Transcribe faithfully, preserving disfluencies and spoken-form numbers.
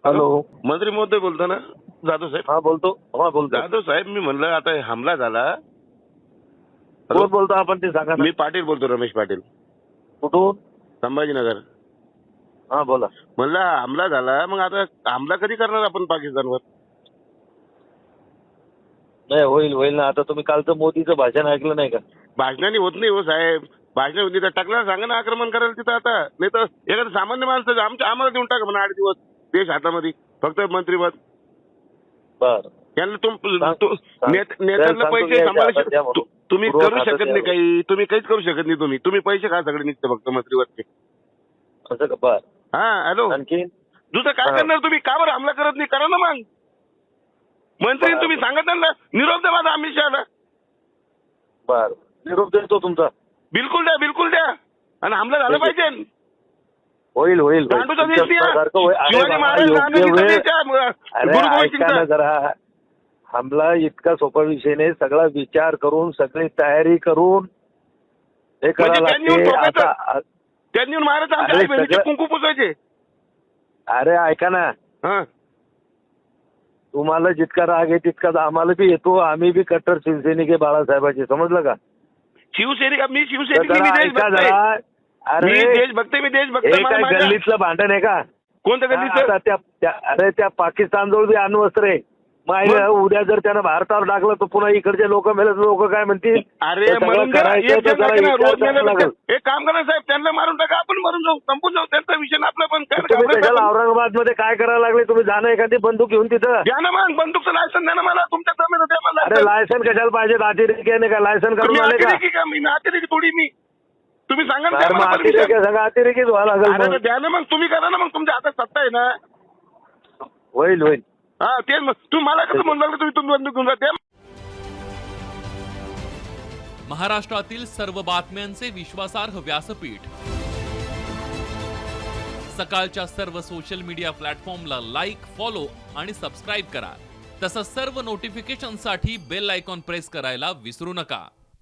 Hello, मंत्री महोदय बोलतो ना? जाधव साहेब. हा बोलतो. हा बोलतो. जाधव साहेब, मी म्हणलं आता हमला झाला. कोण बोलतो आपण ते सांगा ना. मी पाटील बोलतो, रमेश पाटील, कुठून? संभाजीनगर. हा बोला. म्हणलं हमला झाला, मग आता हमला कधी करणार आपण पाकिस्तानवर? नाही होईल होईल ना. आता तुम्ही कालचं मोदीचं भाषण ऐकलं नाही का? भाषणाने होत नाही हो साहेब. भाषण होती तर टाकला सांगा ना आक्रमण करायला तिथं. आता नाही तर एखादं सामान्य माणसं आमच्या आम्हाला देऊन टाका म्हणा आठ दिवस देश हातामध्ये, फक्त मंत्रीपद. बर यांना तुम सांग- तु- सांग- नेत- नेत्यांना सांगतो पैसे मी आता सांभाळू द्या म्हणून. तु- तुम्ही पूर्व करू खातं शकत द्या नाही म्हणून. काही. तुम्ही काहीच करू शकत नाही. तुम्ही तुम्ही पैसे खा सगळे निघते फक्त मंत्रीवरचे. असं का? बर हा हॅलो, आणखी दुसरं काय हा. करणार तुम्ही? का बरं हमला करत नाही? करा ना मग. मंत्री बरं. तुम्ही सांगत ना निरोप द्या माझा अमित शहाला. बर निरोप देतो तुमचा. बिलकुल द्या, बिलकुल द्या. आणि हमला झाला ठीक आहे. पाहिजे. होईल होईल होईल. गांडूचा देश तुमच्या द्या. सारखं होईल. अरे शिवाजी बाबा, महाराज योग्य गांधीजीचा वेळ- देश आहे. अरे गुरु गोविंद ऐका ना सिंगचा. जरा. हमला इतका सोपा विषय नाही. सगळा विचार करून सगळी तयारी करून हे म्हणजे करावं त्यांनी येऊन लागते. ठोकायचं. आता त्यांनी येऊन महाराज आमच्या अरे आई बहिणीचे सगळं- कुंकू पुसायचे. अरे ऐका ना, हा तुम्हाला जितका राग आहे तितकाच आम्हाला बी येतो. आम्ही बी कट्टर शिवसैनिक आहे बाळासाहेबांचे, समजलं का? शिवसैनिक मी तर शिवसैनिक मी जरा देशभक्त ऐका आहे. जरा. मी अरे देशभक्त आहे, मी देशभक्त हे आहे. मला काय माझ्या- गल्लीतलं भांडण आहे का? कोणतं गल्लीचं? आता त्या त्या- अरे त्या पाकिस्तानजवळ बी अण्वस्त्र आहे. मग मग? उद्या जर त्यानं भारतावर टाकलं तर पुन्हा इकडचे लोक मेले, लोक काय म्हणतील? अरे ते सगळं मरून द्या. करायचं एक तर जण जरा लागेल ना, विचार रोज करायला मेल्यापेक्षा लागेल. एक काम करा साहेब, त्यांना मारून टाका, आपण मरून जाऊ, संपून जाऊ. त्यांचा विषय ना आपला. पण काय तुम्ही घाबरायचं त्याच्याला आपण? औरंगाबाद मध्ये काय करायला लागले? तुम्ही जाणं एखादी बंदूक घेऊन तिथं. द्या ना मग बंदूकचं लायसन द्या ना मला. तुमच्या जमीन द्या मला अरे license. लायसन कशाला पाहिजे? अतिरेकी आहे का? लायसन तुम्ही करून आले का? अतिरेकी का? मी ना अतिरेकी थोडी मी. तुम्ही सांगा ना, द्या अरे मला मग permission. अतिरेकी सगळं अतिरेकीच व्हायला अरे लागेल तर मग. द्या ना मग. तुम्ही करा ना मग. तुमच्या हातात सत्ता आहे ना. होईल होईल. हा तेच मग. तुम्ही मला कसं म्हणलं लागलं तुम्ही तुम्ही बंदूक घेऊन जा? द्या. महाराष्ट्रातील सर्व बातम्यांचे विश्वासार्ह व्यासपीठ, सकाळच्या सर्व सोशल मीडिया प्लॅटफॉर्मला लाईक, फॉलो आणि सबस्क्राईब करा. तसंच सर्व नोटिफिकेशनसाठी बेल आयकॉन प्रेस करायला विसरू नका.